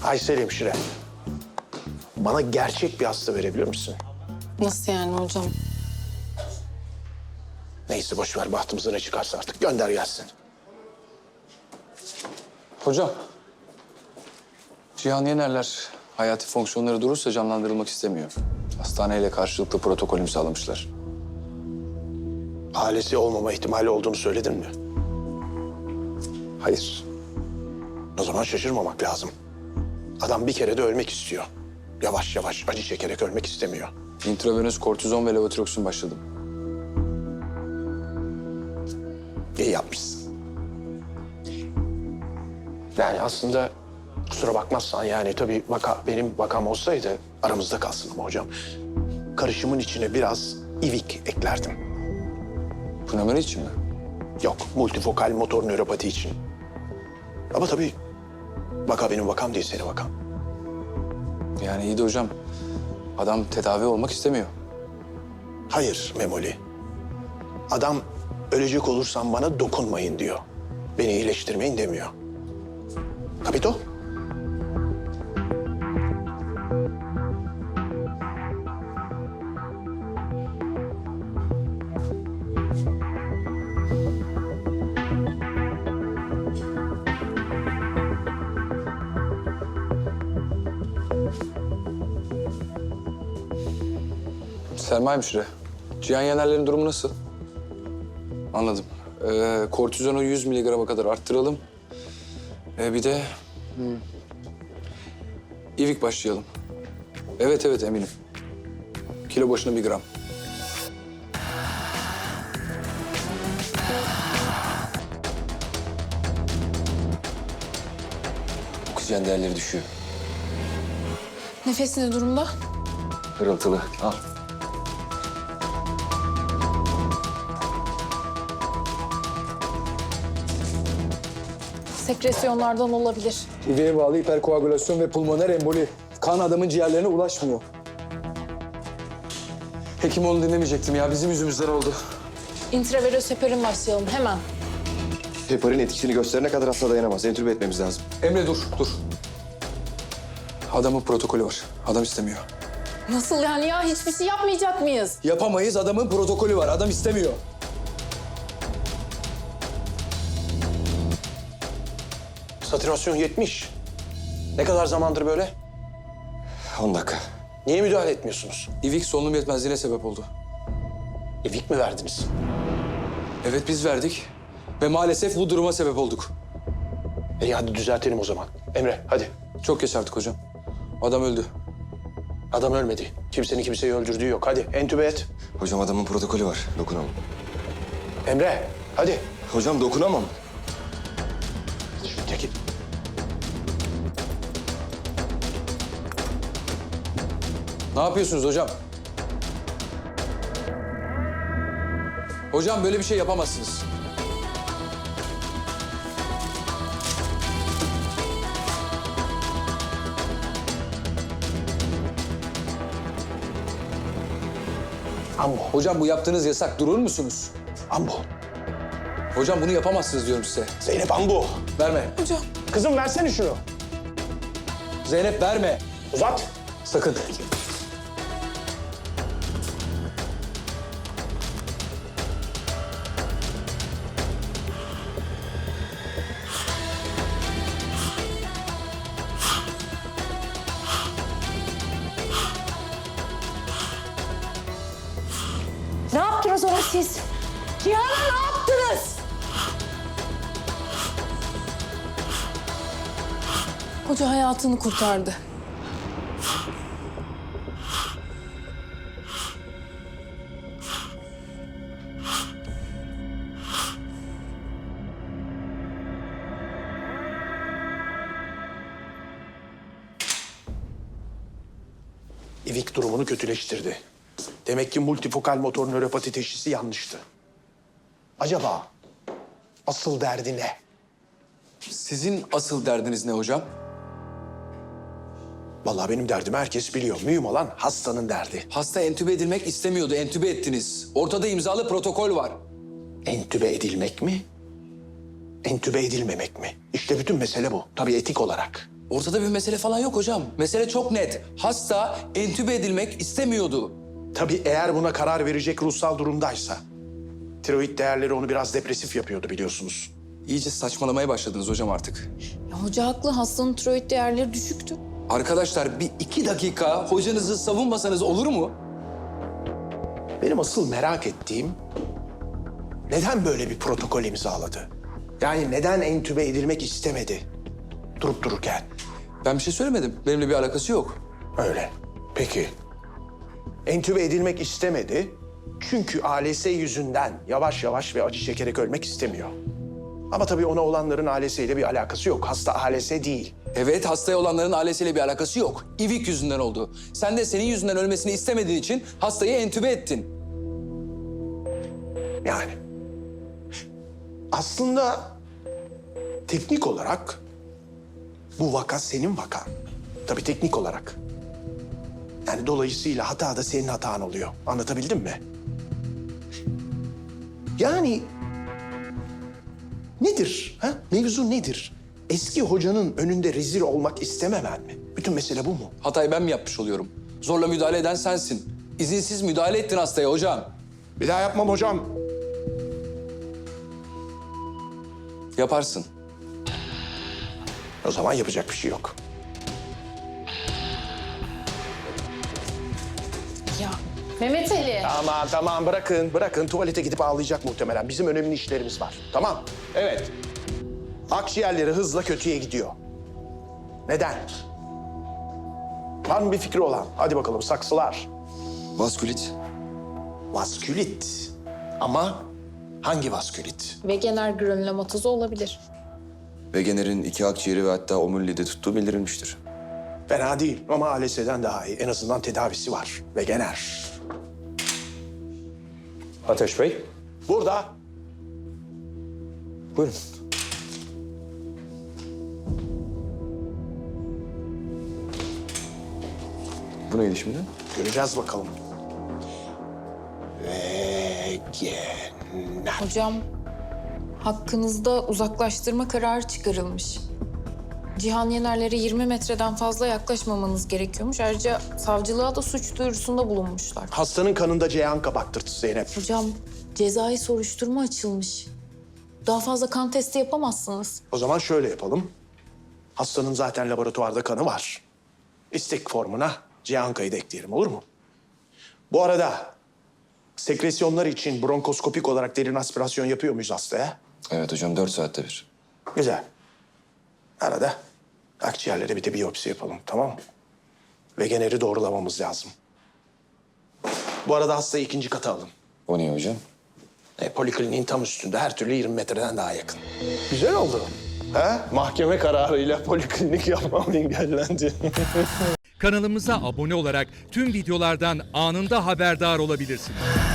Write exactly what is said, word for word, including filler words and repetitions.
Aysel hemşire, bana gerçek bir hasta verebilir misin? Nasıl yani hocam? Neyse boş ver, bahtımıza ne çıkarsa artık gönder gelsin. Hocam, Cihan Yenerler hayati fonksiyonları durursa canlandırılmak istemiyor. Hastaneyle karşılıklı protokol imzalamışlar. Ailesi olmama ihtimali olduğunu söyledin mi? Hayır. O zaman şaşırmamak lazım. Adam bir kere de ölmek istiyor. Yavaş yavaş acı çekerek ölmek istemiyor. İntravenöz kortizon ve levotiroksin başladım. İyi yapmışsın. Yani aslında kusura bakmazsan yani tabii vaka benim vakam olsaydı aramızda kalsın ama hocam. Karışımın içine biraz ivik eklerdim. Pnömoni için mi? Yok, multifokal motor nöropati için. Ama tabii vaka benim vakam değil, senin vakan. Yani iyi de hocam, adam tedavi olmak istemiyor. Hayır Memoli. Adam ölecek olursam bana dokunmayın diyor. Beni iyileştirmeyin demiyor. Kapito? Selma hemşire, Cihan Yenerler'in durumu nasıl? Anladım. Ee, kortizonu yüz miligrama kadar arttıralım. Ee, bir de... Hmm, İvik başlayalım. Evet evet eminim. Kilo başına bir gram. Oksijen değerleri düşüyor. Nefesi ne durumda? Hırıltılı. Al. Sekresyonlardan olabilir. İveye bağlı hiperkoagülasyon ve pulmoner emboli. Kan adamın ciğerlerine ulaşmıyor. Hekim onu dinlemeyecektim ya. Bizim yüzümüzden oldu. İntravenöz heparin başlayalım hemen. Heparin etkisini gösterene kadar hasta dayanamaz. Entübe etmemiz lazım. Emre dur, dur. Adamın protokolü var. Adam istemiyor. Nasıl yani ya? Hiçbir şey yapmayacak mıyız? Yapamayız, adamın protokolü var. Adam istemiyor. Satürasyon yetmiş. Ne kadar zamandır böyle? on dakika. Niye müdahale etmiyorsunuz? İvik solunum yetmezliğine sebep oldu. İvik mi verdiniz? Evet biz verdik ve maalesef bu duruma sebep olduk. İyi hadi düzeltelim o zaman. Emre hadi. Çok geç artık hocam. Adam öldü. Adam ölmedi. Kimsenin kimseyi öldürdüğü yok. Hadi entübe et. Hocam adamın protokolü var. Dokunamam. Emre hadi. Hocam dokunamam. Şimdi çekil. Ne yapıyorsunuz hocam? Hocam böyle bir şey yapamazsınız. Ambo. Hocam bu yaptığınız yasak. Durur musunuz? Ambo. Hocam bunu yapamazsınız diyorum size. Zeynep ambo. Verme. Hocam. Kızım versene şunu. Zeynep verme. Uzat. Sakın. Ne yaptınız ona siz? Cihan'a ne yaptınız? Hoca hayatını kurtardı. İvik durumunu kötüleştirdi. Demek ki multifokal motor nöropati teşhisi yanlıştı. Acaba asıl derdi ne? Sizin asıl derdiniz ne hocam? Vallahi benim derdimi herkes biliyor. Mühim olan hastanın derdi. Hasta entübe edilmek istemiyordu. Entübe ettiniz. Ortada imzalı protokol var. Entübe edilmek mi? Entübe edilmemek mi? İşte bütün mesele bu. Tabii etik olarak. Ortada bir mesele falan yok hocam. Mesele çok net. Hasta entübe edilmek istemiyordu. Tabii eğer buna karar verecek ruhsal durumdaysa. Tiroid değerleri onu biraz depresif yapıyordu biliyorsunuz. İyice saçmalamaya başladınız hocam artık. Ya hoca haklı. Hastanın tiroid değerleri düşüktü. Arkadaşlar bir iki dakika hocanızı savunmasanız olur mu? Benim asıl merak ettiğim neden böyle bir protokol imzaladı? Yani neden entübe edilmek istemedi durup dururken? Ben bir şey söylemedim. Benimle bir alakası yok. Öyle. Peki. Entübe edilmek istemedi çünkü A L S yüzünden yavaş yavaş ve acı çekerek ölmek istemiyor. Ama tabii ona olanların A L S ile bir alakası yok. Hasta A L S değil. Evet, hastaya olanların ailesiyle bir alakası yok. İvik yüzünden oldu. Sen de senin yüzünden ölmesini istemediğin için hastayı entübe ettin. Yani. Aslında teknik olarak bu vaka senin vakan. Tabii teknik olarak. Yani dolayısıyla hata da senin hatan oluyor. Anlatabildim mi? Yani nedir? Ha? Mevzu nedir? Eski hocanın önünde rezil olmak istememen mi? Bütün mesele bu mu? Hatayı ben mi yapmış oluyorum? Zorla müdahale eden sensin. İzinsiz müdahale ettin hastaya hocam. Bir daha yapmam hocam. Yaparsın. O zaman yapacak bir şey yok. Ya Mehmet Ali. Tamam tamam bırakın bırakın. Tuvalete gidip ağlayacak muhtemelen. Bizim önemli işlerimiz var. Tamam. Evet. Akciğerleri hızla kötüye gidiyor. Neden? Var mı bir fikri olan? Hadi bakalım saksılar. Vaskülit. Vaskülit. Ama hangi vaskülit? Wegener granülomatozu olabilir. Wegener'in iki akciğeri ve hatta omuriliği tuttuğu bildirilmiştir. Fena değil ama A L S'den daha iyi. En azından tedavisi var. Ve gener. Ateş Bey, Burada. buyurun. Bu neydi şimdi? Göreceğiz bakalım. Ve gener. Hocam hakkınızda uzaklaştırma kararı çıkarılmış. Cihan Yener'lere yirmi metreden fazla yaklaşmamanız gerekiyormuş. Ayrıca savcılığa da suç duyurusunda bulunmuşlar. Hastanın kanında Ceyhan kabaktırtı Zeynep. Hocam cezai soruşturma açılmış. Daha fazla kan testi yapamazsınız. O zaman şöyle yapalım. Hastanın zaten laboratuvarda kanı var. İstek formuna Cihanka'yı da ekleyelim, olur mu? Bu arada sekresyonlar için bronkoskopik olarak derin aspirasyon yapıyor muyuz hastaya? Evet hocam, dört saatte bir. Güzel. Arada akciğerlere bir de biyopsi yapalım, tamam mı? Ve generi doğrulamamız lazım. Bu arada hastayı ikinci kata alın. O niye hocam? E, polikliniğin tam üstünde, her türlü yirmi metreden daha yakın. Güzel oldu. Ha? Mahkeme kararıyla poliklinik yapmam engellendi. Kanalımıza abone olarak tüm videolardan anında haberdar olabilirsiniz.